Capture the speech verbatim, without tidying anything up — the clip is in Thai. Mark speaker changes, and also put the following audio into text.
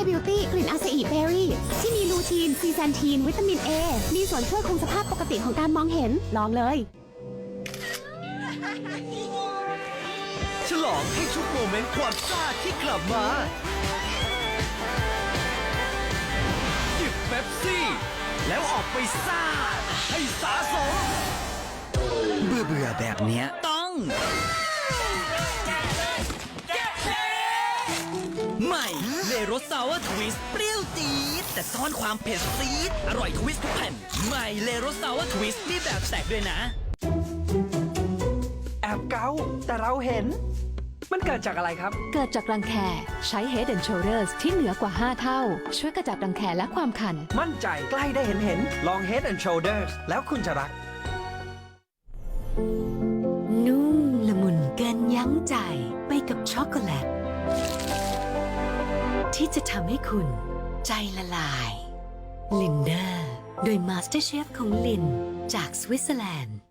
Speaker 1: Beauty กลิ่นอาซาอิเบอร์รี่ที่มีลูทีน ซีแซนทีน วิตามิน A มีส่วนช่วยคงสภาพปกติของการมองเห็น ลองเลย
Speaker 2: ฉลองให้ทุกโมเมนต์ความซ่าที่กลับมาจิบเป๊ปซี่ แล้วออกไปซ่า ให้สาสมเบื่อเบื่อแบบเนี้ยต้อง ใหม่เลรสซาวร์ทวิสต์เปรี้ยวจี๊ดแต่ซ่อนความเผ็ดซีดอร่อยทวิสต์ทุกแผ่นใหม่เลรสซาวร์ทวิสต์มีแบบแตกด้วยนะ
Speaker 3: แอบเกาแต่เราเห็น มันเกิดจากอะไรครับ
Speaker 4: เกิดจากรังแคใช้ Head and Shoulders ที่เหนือกว่า ห้า เท่า ช่วยกระจัดรังแคและความคัน
Speaker 3: มั่นใจใกล้ได้เห็นเห็นลอง Head and Shoulders แล้วคุณจะรัก
Speaker 5: นุ่มละมุนเกินยั้งใจไปกับช็อกโกแลตที่จะทำให้คุณใจละลาย ลินเดอร์โดย Master Chef ของลินจากสวิตเซอร์แลนด์